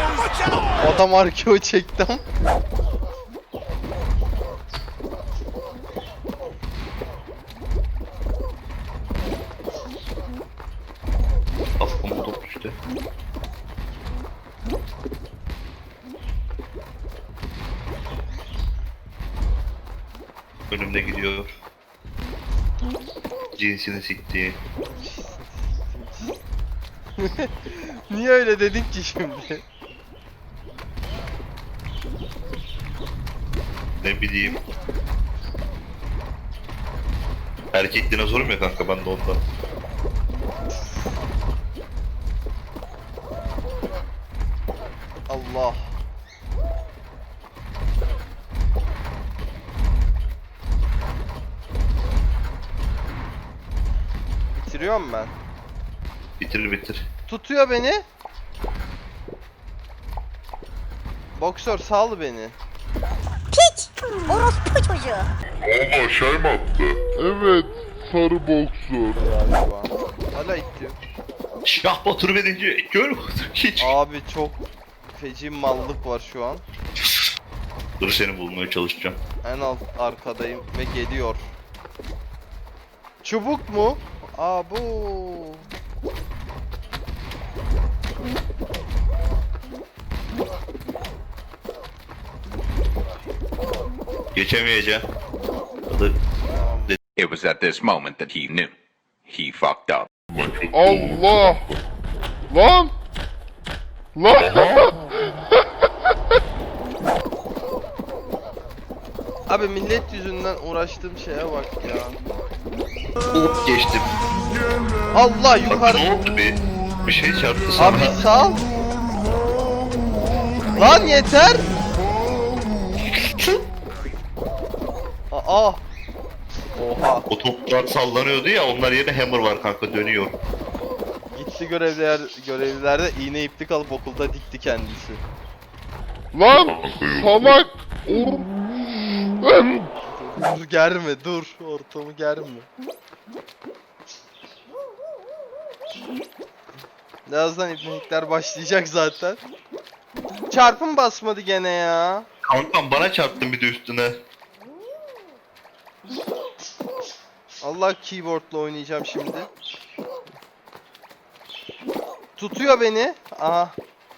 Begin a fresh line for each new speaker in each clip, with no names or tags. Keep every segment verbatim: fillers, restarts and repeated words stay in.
Adam arkeo çektim.
Kafama top düştü. Önümde gidiyor. Cinsini sikti.
Niye öyle dedin ki şimdi?
Ne bileyim. Erkek dinozorum ya kanka, ben de ondan.
Allah. Bitiriyorum ben.
Bitir bitir.
Tutuyor beni. Boksör sal beni.
Piç! Orospu çocuğu.
Ama şey mi attı? Evet, sarı boksör.
Galiba. Hala itiyor.
Şah Batur verince gör Batur hiç.
Abi çok feci mallık var şu an.
Dur, seni bulmaya çalışacağım.
En alt arkadayım ve geliyor. Çubuk mu? Aa bu.
Geçemeyeceğim. Hadi.
It was at this moment that he knew. He fucked up.
Allah! Lan! Lan!
Abi millet yüzünden uğraştığım şeye bak ya.
Hop geçtim.
Allah
Bak
yukarı.
ne oldu bir, bir şey çarptı sana.
Abi sal. Lan yeter. Aa. Oha.
O toplar sallanıyordu ya, onlar yerine hammer var kanka, dönüyor.
Gitti görevliler görevlilerde iğne iplik alıp okulda dikti kendisi.
Lan! Salak!
Dur germe dur. Ortamı germe. Birazdan ibnelikler başlayacak zaten. Çarpım basmadı gene ya.
Kankam bana çarptın bir de üstüne.
Allah, keyboardla oynayacağım şimdi. Tutuyor beni. Aha.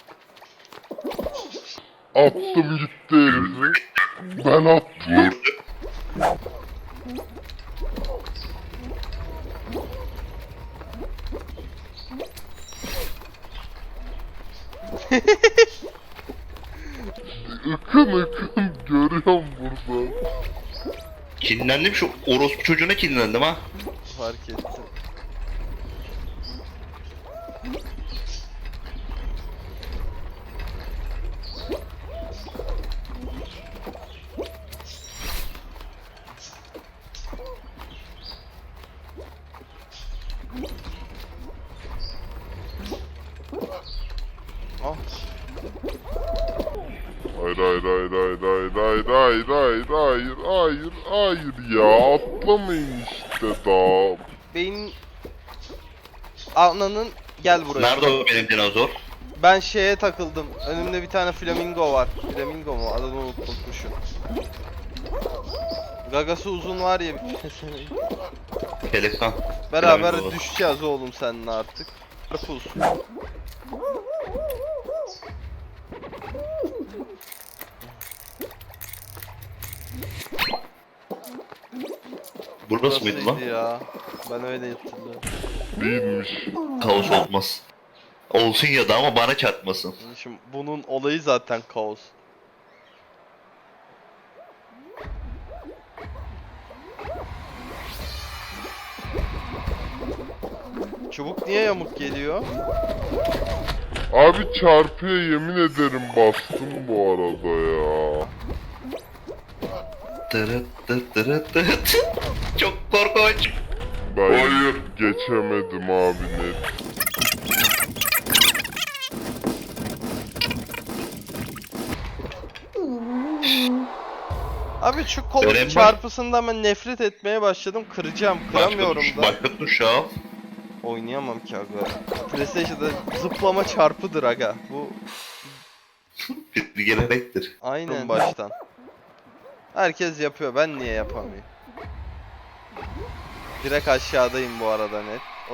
Attım gitti herifi. Ben attım. Ikın ıkın görüyorum burada.
Kinlendim, şu orospu çocuğuna kinlendim ha.
Fark ettim. Ah.
Hayır hayır hayır hayır hayır hayır hayır hayır hayır hayır hayır ya, atlamayın işte daha.
Beyin ananın, gel buraya.
Nerede o benim dinozor?
Ben şeye takıldım. Önümde bir tane flamingo var. Flamingo mu? Adını unutmuşum. Gagası uzun var ya bir pezevenk.
Pelikan.
Beraber
Flamingo.
düşeceğiz oğlum seninle artık. Karpuz.
Burası mıydı lan?
Burasıydı ya. Ben öyle hatırlıyorum.
Değilmiş.
Kaos olmaz. Olsun ya da ama bana çarpmasın.
Şimdi bunun olayı zaten kaos. Çubuk niye yamuk geliyor?
Abi çarpıya yemin ederim bastım bu arada ya.
Tırıt tırıt tırıt tırıt. Çok korkunç.
Ben Hayır. geçemedim abi net.
Abi şu kolun
Önemli.
çarpısından ben nefret etmeye başladım. Kıracağım. Kıramıyorum
Başka tuş,
da.
başka tuş al.
Oynayamam ki aga. PlayStation'da zıplama çarpıdır aga. Bu
Bir gelenektir.
Aynen baştan. Herkes yapıyor. Ben niye yapamıyorum? Direkt aşağıdayım bu arada net. O...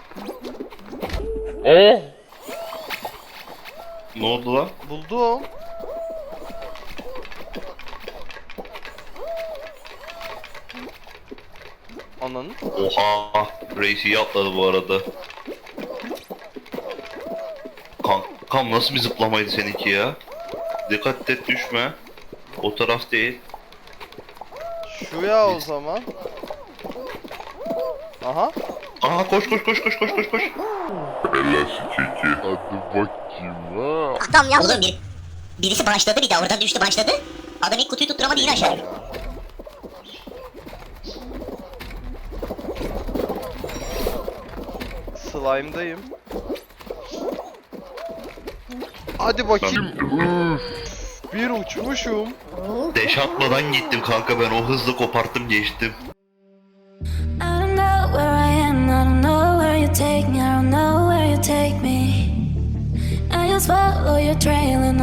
Oh!
Ne oldu lan?
Buldum. Ananı.
Oha. Reis iyi atladı bu arada. Kankam nasıl bir zıplamaydı seninki ya? Dikkat et düşme. O taraf değil.
Şu ya o zaman. Aha.
Aha koş koş koş koş koş koş koş.
Elastik iki. Hadi bakayım ha.
Adam yaptı.
Oğlum bir, birisi başladı bir de oradan düştü başladı. Adam ilk kutuyu tutturamadı yine aşağı.
Slime'dayım. Hadi bakayım.
Üf.
Bir uçmuşum.
Deş atmadan gittim kanka, ben o hızla koparttım geçtim.
I don't know where I am, I don't know where you take me, I don't know where you take me. I just follow your trail and